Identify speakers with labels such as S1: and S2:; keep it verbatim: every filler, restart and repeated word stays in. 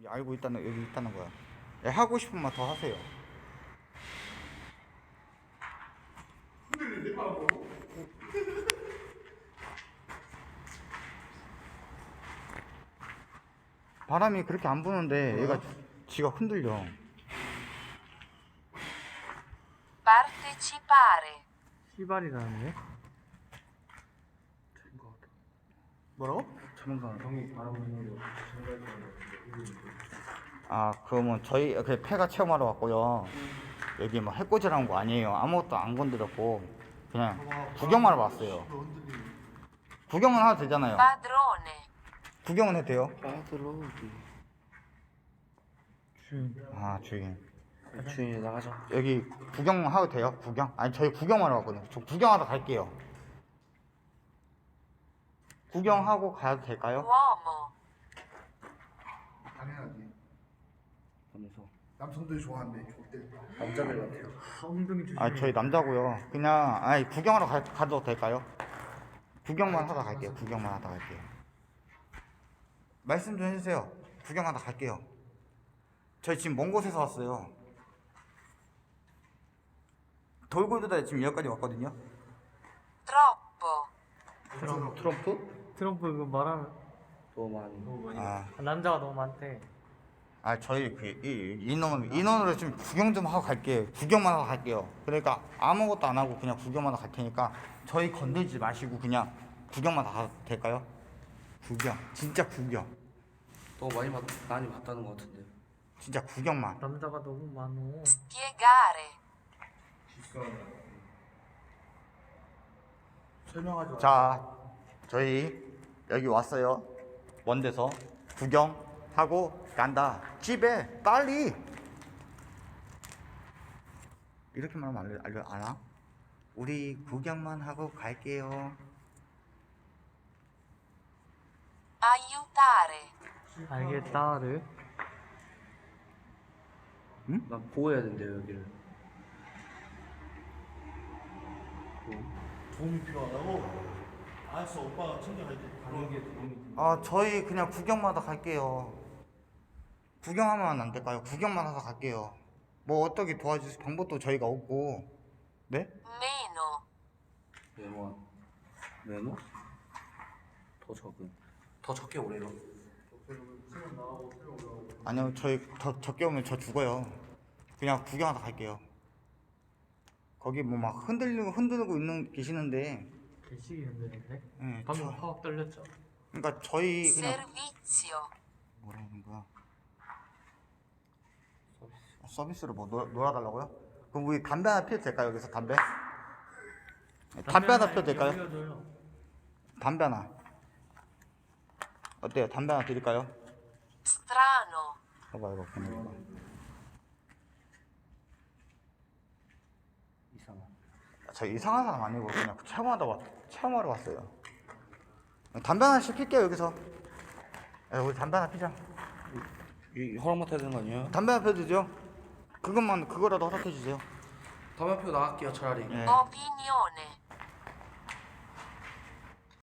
S1: 여기 알고 있다는 여기 있다는 거야. 야, 하고 싶은 말 더 하세요. 바람이 그렇게 안 부는데 얘가 지가 흔들려.
S2: partecipare,
S3: 시발이라는데?
S1: 뭐라고?
S3: 전문가 형이 바라보는 거
S1: 아 그러면 저희 그 폐가 체험하러 왔고요. 여기 뭐 해코지라는 거 아니에요. 아무것도 안 건드렸고 그냥 구경만 왔어요. 구경은 하도 되잖아요.
S2: padrone,
S1: 구경은 해도 돼요.
S3: 빠들어 주인
S1: 아 주인
S3: 주인이 나가자.
S1: 여기 구경 하도 돼요? 구경? 아니 저희 구경하러 왔거든요. 저 구경하러 갈게요. 구경하고 가도 될까요?
S2: uomo,
S4: 당연하지.
S3: 하면서
S4: 남성들이 좋아하는데 좋대.
S3: 남자들 같아요. 엉덩이 조심해.
S1: 아 저희 남자고요. 그냥 아니 구경하러 가, 가도 될까요? 구경만 하다 갈게요. 구경만 하다 갈게요. 말씀 좀 해주세요. 구경하다 갈게요. 저희 지금 먼 곳에서 왔어요. 돌고 돌다 지금 여기까지 왔거든요.
S2: troppo,
S3: 트럼프? 트럼프? 트럼프 이거 말하면 너무 많이.
S1: 아,
S3: 남자가 너무 많대.
S1: 아 저희 그 이, 인원 인원으로 좀 구경 좀 하고 갈게요. 구경만 하고 갈게요. 그러니까 아무것도 안 하고 그냥 구경만 하고 갈 테니까 저희 건들지 마시고 그냥 구경만 하도 될까요? 구경, 진짜 구경,
S5: 너무 많이 봤, 많이 봤다는 것 같은데.
S1: 진짜 구경만.
S3: 남자가 너무 많어.
S2: spiegare,
S4: 설명하지.
S1: 자, 저희 여기 왔어요. 먼 데서 구경하고 간다. 집에 빨리. 이렇게만 하면 알려, 알려 알아? 우리 구경만 하고 갈게요.
S2: aiutare,
S3: 알겠다를.
S5: 난 보호해야 된대요, 여기를.
S4: 도움이 필요하다고? 알았어, 오빠가 챙겨갈게.
S5: 가는 게 도움이
S1: 아, 저희 그냥 구경만 하다 갈게요. 구경하면 안 될까요? 구경만 하다 갈게요. 뭐 어떻게 도와줄 방법도 저희가 없고. 네?
S2: meno,
S5: 메모. 메모? 더 적은. 더 적게 오래요.
S1: 아니요, 저희 더 적게 오면 저 죽어요. 그냥 구경하다 갈게요. 거기 뭐 막 흔들리고 흔들고 있는 계시는데,
S3: 개식이 흔드는데?
S1: 예,
S3: 방금
S1: 저,
S3: 확 떨렸죠?
S1: 그러니까 저희 그냥
S2: servizio,
S1: 뭐라는 거야? 어, 서비스를 뭐 놀, 놀아달라고요? 그럼 우리 담배 하나 피워도 될까요? 여기서 담배? 네, 담배 하나 피워도 될까요?
S3: 알려줘요.
S1: 담배 하나. 어때요? 담배 하나 드릴까요?
S2: strano,
S1: 봐봐 이거 보내봐.
S5: 이상한.
S1: 저 이상한 사람 아니고 그냥 체험하다 왔, 체험하러 왔어요. 담배 하나 시킬게요 여기서. 야, 우리 담배 하나 피자.
S5: 이 허락 맡아야 되는 거 아니에요?
S1: 담배 하나 피워주죠. 그것만 그거라도 허락해 주세요.
S5: 담배 피고 나갈게요, 차라리.
S1: 예.
S2: opinione,